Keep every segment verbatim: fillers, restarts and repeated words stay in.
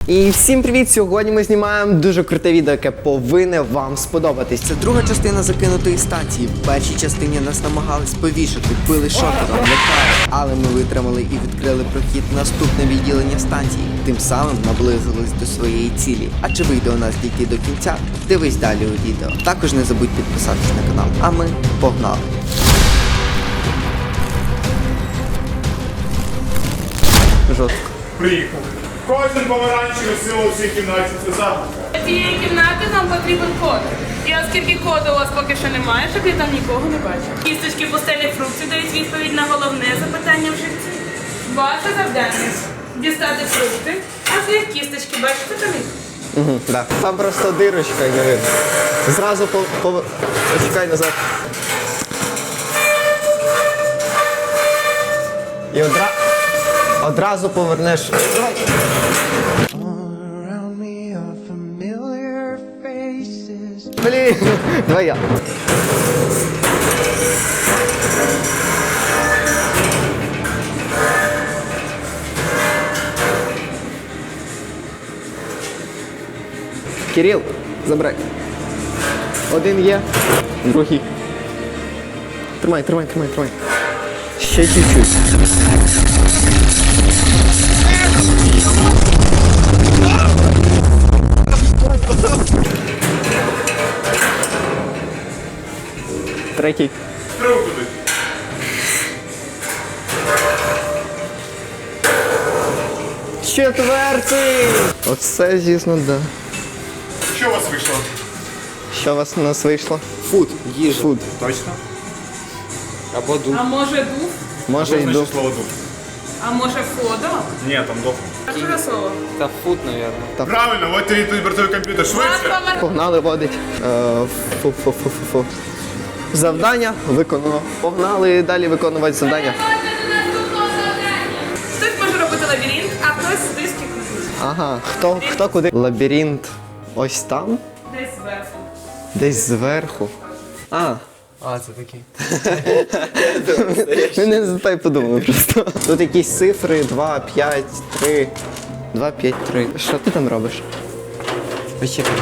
І всім привіт! Сьогодні ми знімаємо дуже круте відео, яке повинне вам сподобатись. Це друга частина закинутої станції. В першій частині нас намагались повішати, били шокером, лякали. Але ми витримали і відкрили прохід в наступне відділення станції. Тим самим наблизились до своєї цілі. А чи вийде у нас дійти до кінця? Дивись далі у відео. Також не забудь підписатись на канал. А ми погнали! Жорстко. Приїхали. Кожен помаранчевий сила у цій кімнаті це загадка. Для цієї кімнати нам потрібен код. І оскільки коду у вас поки що немає, щоб я там нікого не бачив. Кісточки пустелі фруктів дають відповідь на головне запитання в житті. Ваше завдання – дістати фрукти, а з їх кісточки бачите там їх? Угу, да. Там просто дирочка і не видно. Зразу по... по... Почекай назад. І одра... одразу повернеш. Давай. Блін, давай я. Кирил, забирай. Один є, другий. Тримай, тримай, тримай, тримай. Ще чуть-чуть. Третій. Стрілку туди. Четвертий! Оце, звісно, да. Що у вас вийшло? Що у вас у нас вийшло? Фуд, їжа. Фуд. Точно? Або дух. А може дух? Може Що йду. значить слово дух? А може фото? Ні, там дух. А що за слово? Та фуд, мабуть. Правильно, от тобі тут бортовий комп'ютер. Швидше! Погнали водить. Е, Фу-фу-фу-фу-фу. Завдання виконано. Погнали далі виконувати завдання. Хтось може робити лабіринт, а хтось диски крутить. Ага, хто, хто куди? Лабіринт ось там? Десь зверху. Десь зверху. А, А, це такий. ми не за те й подумали просто. Тут якісь цифри два, п'ять, три. два, п'ять, три. Що ти там робиш? Вечірка.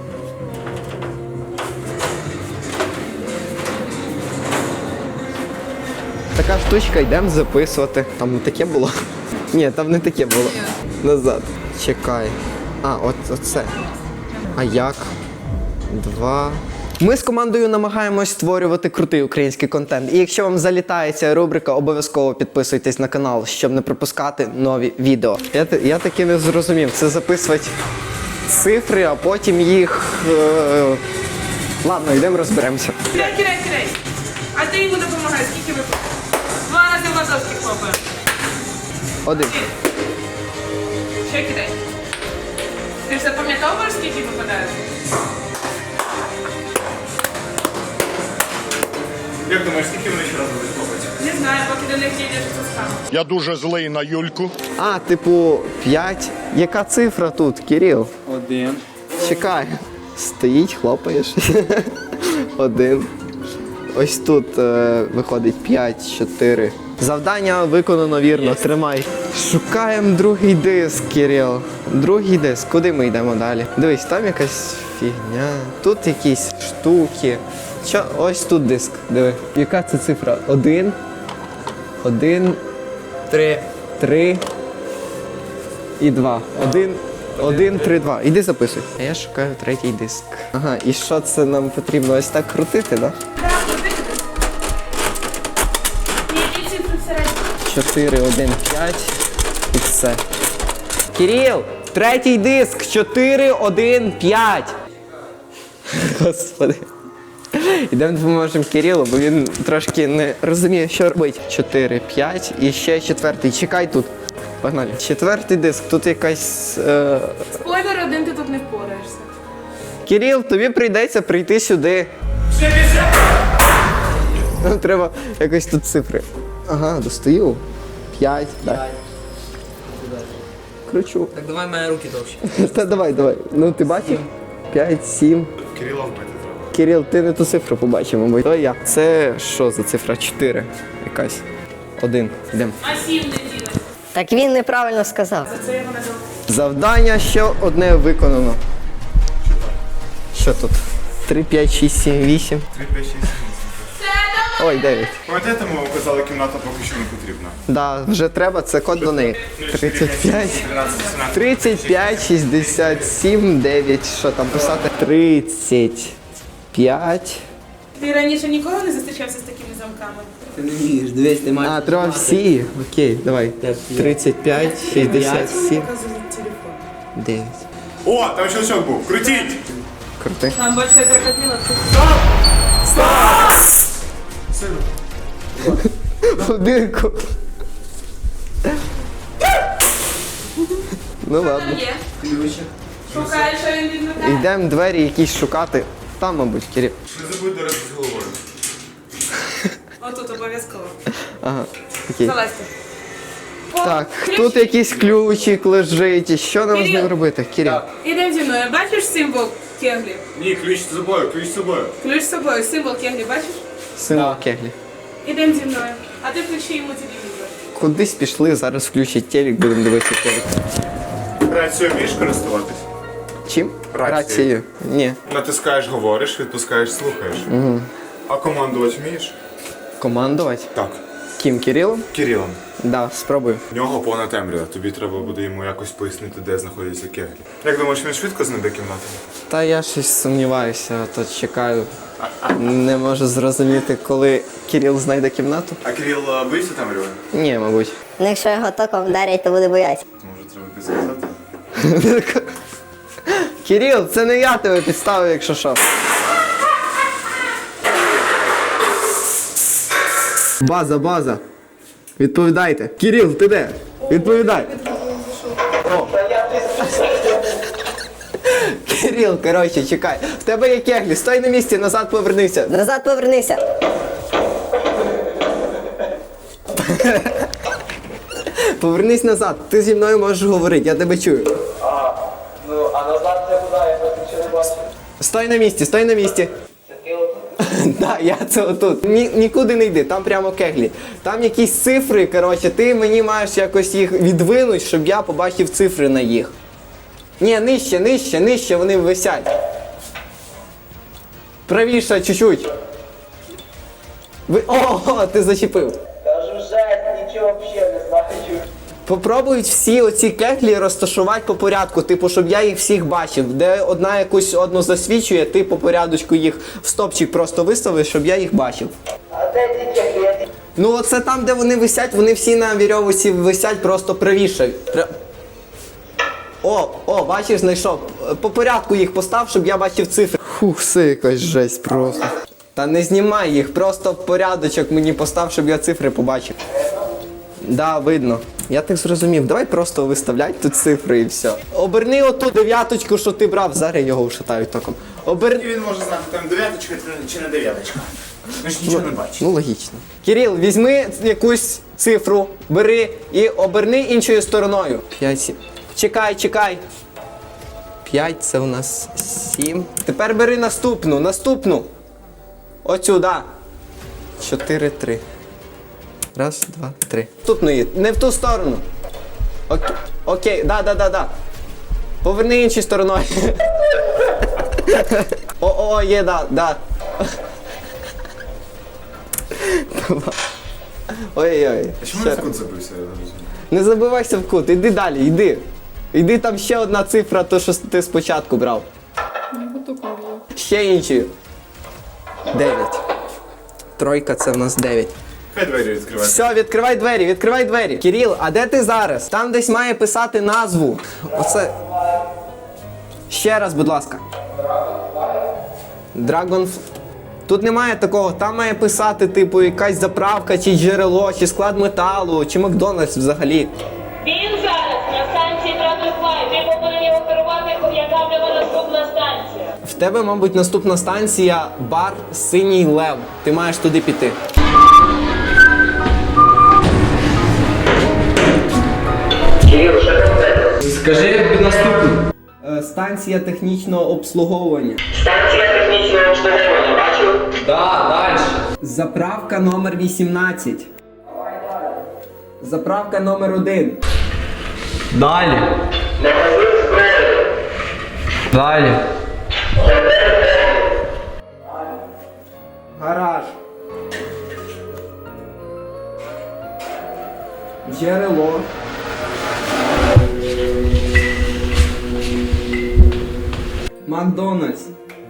Така штучка, йдемо записувати. Там не таке було? Ні, там не таке було. Назад. Чекай. А, от оце. А як? Два. Ми з командою намагаємось створювати крутий український контент. І якщо вам залітає ця рубрика, обов'язково підписуйтесь на канал, щоб не пропускати нові відео. Я, та- я таки не зрозумів. Це записувати цифри, а потім їх. Е... Ладно, йдемо розберемося. Кидай, кидай, кидай. А ти йому допомагай, скільки ви? Два рази в ладошки хлопає. Один. Ще кидай. Ти ж запам'ятовуєш, скільки випадаєш? Як думаєш, скільки вони ще раз будуть хлопати? Не знаю, поки до них дійдеш, що стане. Я дуже злий на Юльку. А, типу, п'ять. Яка цифра тут, Кирил? Один. Чекай. Стоїть, хлопаєш. Один. Ось тут е, виходить п'ять, чотири. Завдання виконано вірно, тримай. Шукаємо другий диск, Кирил. Другий диск. Куди ми йдемо далі? Дивись, там якась фігня. Тут якісь штуки. Що? Ось тут диск. Диви. Яка це цифра? Один. Один. Три. Три. І два. Один. Один, три, два. Іди записуй. А я шукаю третій диск. Ага, і що це нам потрібно? Ось так крутити, так? Так, куди? Які цифри всередині? чотири, один, п'ять. І все. Кирил! Третій диск! чотири, один, п'ять. Господи. Ідемо допоможемо Кирилу, бо він трошки не розуміє, що робити. чотири, п'ять і ще четвертий. Чекай тут. Погнали. Четвертий диск. Тут якась... Е... Спойлер, один ти тут не впораєшся. Кирил, тобі прийдеться прийти сюди. Нам треба якось тут цифри. Ага, достаю. П'ять. Так. Кручу. Так давай мої руки довші. Та давай, давай. Ну ти бачив? П'ять, сім. Кирила вбити треба. Кирил, ти не ту цифру побачив, мабуть. То я. Це що за цифра? Чотири. Якась. Один. Йдемо. А сім не ділить. Так він неправильно сказав. За це його назвав. Завдання ще одне виконано. Що тут? три, п'ять, шість, сім, вісім. три, п'ять, шість, вісім. Ой, дев'ять. Пам'ятаєте, ми казали, кімната поки що не потрібна. Да, вже треба, це код до неї. тридцять п'ять, тридцять п'ять, шістдесят сім, дев'ять. Що там писати? тридцять п'ять. Ти раніше ніколи не зустрічався з такими замками? Ти не вмієш, дивись, ти маєш. А, треба всі. Окей, давай. тридцять п'ять, шістдесят сім, Показують телефон. дев'ять. О, там щелчок був. Крутіть! Крути. Там бачите крокодила. Будинку. Ну ладно. Там є. Шукаєш, що він відмикає. Йдемо двері якісь шукати. Там, мабуть, Кирил. Не забудь до речі з головою. Отут обов'язково. Ага, окей. Залазьте. О, Так, ключ. тут якийсь ключик лежить. І що нам з ним Кирил. робити? Кирил. Ідемо зі мною. Бачиш символ кеглі? Ні, ключ з собою, ключ з собою. Ключ з собою. Символ кеглі, бачиш? Символ кеглі. Ідемо зі мною. А ти включи йому телевізор. Кудись пішли, зараз включать телек, будемо дивитися телек. Рацією вмієш користуватись? Чим? Рацією. Рацією. Ні. Натискаєш, говориш, відпускаєш, слухаєш. Угу. А командувати вмієш? Командувати? Так. Ким, Кирилом? Кирилом. Да, спробую. В нього повна темрява, тобі треба буде йому якось пояснити, де знаходяться кеглі. Як думаєш, він швидко знайде кімнату? Та я щось сумніваюся, то чекаю. Не можу зрозуміти, коли Кирил знайде кімнату. А Кирил а, боїться темряви? Ні, мабуть. Ну, якщо його током вдарять, то буде боятися. Може, треба підсказати? Кирил, це не я тебе підставив, якщо що. База, база. Відповідайте. Кирил, ти де? Відповідай. О. Кирил, коротше, чекай. В тебе є кеглі, стой на місці, назад повернися. Назад повернися. Повернись назад, ти зі мною можеш говорити, я тебе чую. А, ну, а назад це куди? Я просто ще не бачу. Стой на місці, стой на місці. Це ти отут? Так, я це отут. Ні, нікуди не йди, там прямо кеглі. Там якісь цифри, коротше, ти мені маєш якось їх відвинути, щоб я побачив цифри на їх. Ні, нижче, нижче, нижче вони висять. Правіше чуть-чуть. Ви... О, ти зачепив. Кажу, жесть, нічого взагалі не знаю. Попробують всі оці кеглі розташувати по порядку, типу, щоб я їх всіх бачив. Де одна якусь одну засвічує, ти по порядочку їх в стопчик просто виставиш, щоб я їх бачив. А де ті кеглі? Ну оце там, де вони висять, вони всі на вірьовці висять просто правіше. Пря- О, о, бачиш, знайшов. По порядку їх постав, щоб я бачив цифри. Фух, це якась жесть просто. Та не знімай їх, просто в порядочок мені постав, щоб я цифри побачив. Да, видно. Я так зрозумів. Давай просто виставляй тут цифри і все. Оберни оту дев'яточку, що ти брав, зараз його вшатають током. Оберни. Він може знати, там дев'яточка чи не дев'яточка. Ми ж нічого не бачимо. Ну, логічно. Кирил, візьми якусь цифру, бери і оберни іншою стороною. П'ять, сім. Чекай, чекай. П'ять, це у нас сім. Тепер бери наступну, наступну. Оцю, да. Чотири, три. Раз, два, три. Наступної, не в ту сторону. Окей, окей, да, да, да, да. Поверни іншою стороною. О, о, є, да, да. Ой-ой-ой. Чому я в кут забився? Я не розумію. Не забивайся в кут, іди далі, йди. Іди, там ще одна цифра, то що ти спочатку брав. Ще інші. Дев'ять. Тройка це в нас дев'ять. Хай двері відкривай. Все, відкривай двері, відкривай двері. Кирил, а де ти зараз? Там десь має писати назву. Оце. Ще раз, будь ласка. Dragon. Тут немає такого, там має писати, типу, якась заправка, чи джерело, чи склад металу, чи Макдональдс взагалі. Він зараз на станції Тратофлай. Ти повинен його керувати, яка в нього наступна станція. В тебе, мабуть, наступна станція бар Синій Лев. Ти маєш туди піти. Скажи наступну. Станція технічного обслуговування. Станція технічного обслуговування, бачив? Да, далі. Заправка номер вісімнадцять. Заправка номер один. Далі. Далі. Гараж. Джерело. Макдональдс.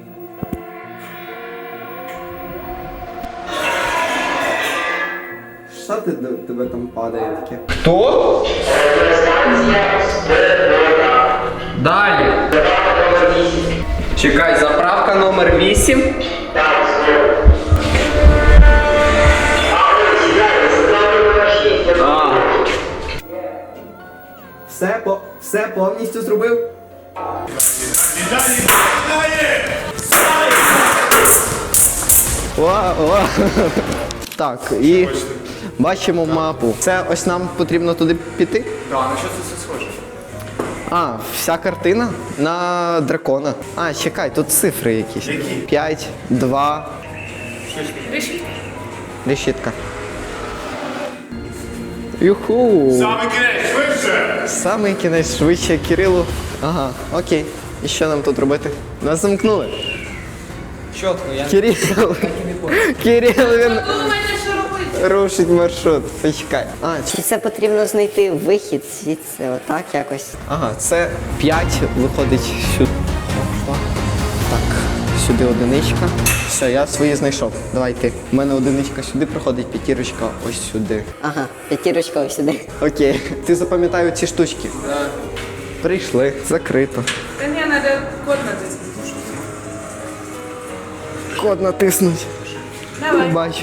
Що ти тебе там падає таке? Хто? Далі. Чекай, заправка номер вісім. А. Все, по, все повністю зробив? О, о. Так, і бачимо мапу. Це ось нам потрібно туди піти? Так, на що це все схоже? А, вся картина на дракона. А, чекай, тут цифри якісь. Які? п'ять, два, Решітка. решітка. Юху! Саме кінець, швидше! Самий кінець швидше Кирилу. Ага, окей. І що нам тут робити? Нас замкнули. Чітко, я Кирил. Кирил, він Думайте, що робити. рушить маршрут. Почекай. А, Чи це потрібно знайти вихід звідси, отак якось? ага, це п'ять виходить сюди. Опа. Так, сюди одиничка. Все, я свої знайшов. Давай ти. У мене одиничка сюди проходить, п'ятірочка ось сюди. Ага, п'ятірочка ось сюди. Окей. Ти запам'ятай ці штучки. Так. Прийшли, закрито. Та ні, треба код натиснути. Код натиснуть. Давай. Бачу.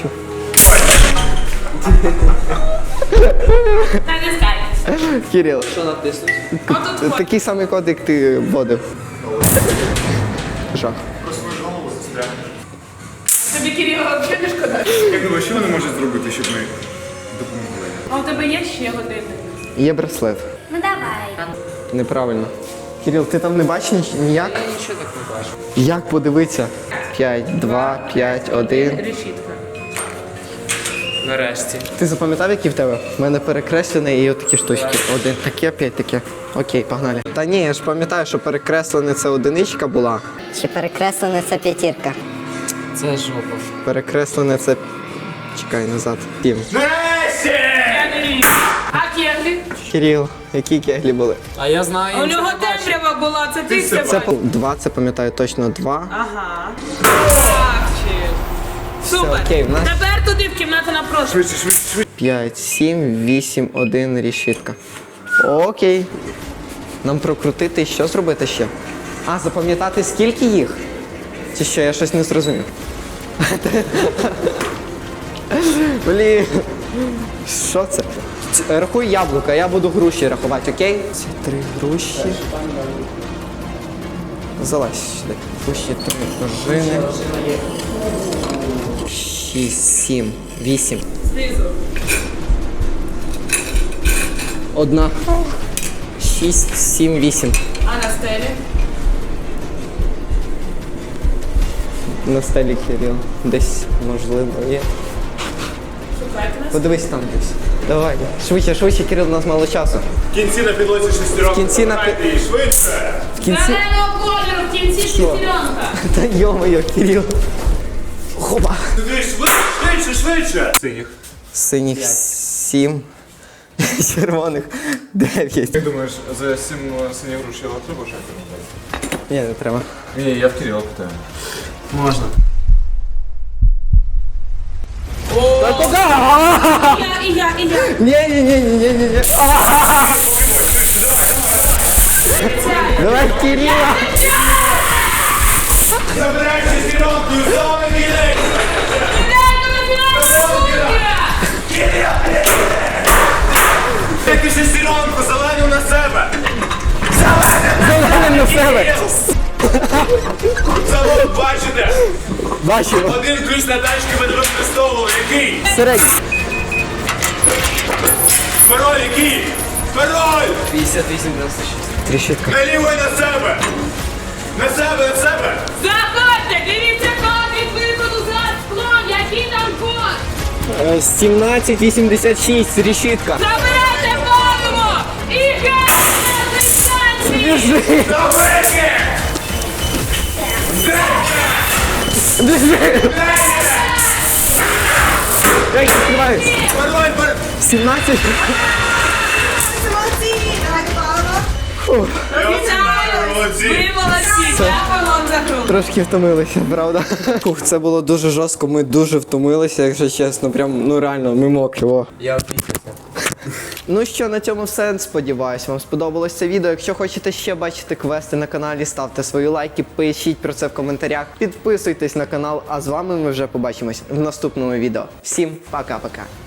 Натискай. Кирил, що натиснуть? Отут код. такий самий код, як ти вводив. Жах. Тобі Кирило взагалі не шкода. Як думаєш, що вони можуть зробити, щоб ми допомогли? А у тебе є ще годинник? Є браслет. Ну давай. Неправильно. Кирил, ти там не бачиш ніч- ніяк? Я нічого так не бачу. Як подивитися? п'ять, два, п'ять, один. Решітка. Нарешті. Ти запам'ятав, які в тебе? У мене перекреслене і отакі штучки. Один таке, п'ять таке. Окей, погнали. Та ні, я ж пам'ятаю, що перекреслене це одиничка була. Чи перекреслена ця п'ятірка? Це жопа. Перекреслене це. Чекай назад. Сім. А кеглі? Кирил, які кеглі були? А я знаю. У нього темрява була, це ти все Це бачиш. по- два, це пам'ятаю точно два. Ага. Красавчик. Супер. окей, в нас- Тепер туди в кімнату напрошу. Швидше, швидше, швидше. п'ять, сім, вісім, один, решітка. Окей. Нам прокрутити, що зробити ще? А, запам'ятати скільки їх? Чи що, я щось не зрозумів. Блін. Що це? Ц- Рахуй яблука, я буду груші рахувати, окей? Це три груші. Залазь сюди. Груші, три пружини. Шість, сім, вісім. Знизу. Одна. Шість, сім, вісім. А на стелі? На стелі Кирил. Десь, можливо, є. Шукайте нас. Подивись там десь. Давай. Швидше, швидше, Кирил, у нас мало часу. В кінці на підлозі шестеренку. В кінці на Шукайте її швидше. В кінці. Зеленого кольору, в кінці шестеренка. Та йо-моє, Кирил. Хоба. Туди швидше, швидше, швидше. Синіх. Синіх сім. Червоних дев'ять. Як думаєш, за сім синіх груш я треба вже? Ні, не треба. Ні, я в Кирила питаю. Можна. І я, і я, і я. Ні, ні, ні, ні, ні, ні, ні. Давай, Кирила. Забирай шестеренку і знову білий. Ідемо на фінансову. Тільки шестеренку, зелену на себе. Зеленим на себе. Завод, бачите? Бачимо. Один ключ на тачки ми не використовували. Який? Середній. Пароль який? Пароль! п'ятдесят вісім дев'яносто шість. Тріщитка. Налівай на себе! На себе, на себе! Заходьте, дивіться код від виходу за склом. Який там код? сімнадцять вісімдесят шість. Решітка. Забирайте форму! І геть! Біжи! Біжи! Я їх відкриваю! сімнадцять! Молодці! Ви молодці, дякую вам за гру. Трошки втомилися, правда? Ух, це було дуже жорстко, ми дуже втомилися, якщо чесно. Прям, ну реально, ми мокрі. О. Я опісявся. Ну що, на цьому все. Сподіваюсь, вам сподобалось це відео. Якщо хочете ще бачити квести на каналі, ставте свої лайки, пишіть про це в коментарях, підписуйтесь на канал, а з вами ми вже побачимось в наступному відео. Всім пока-пока.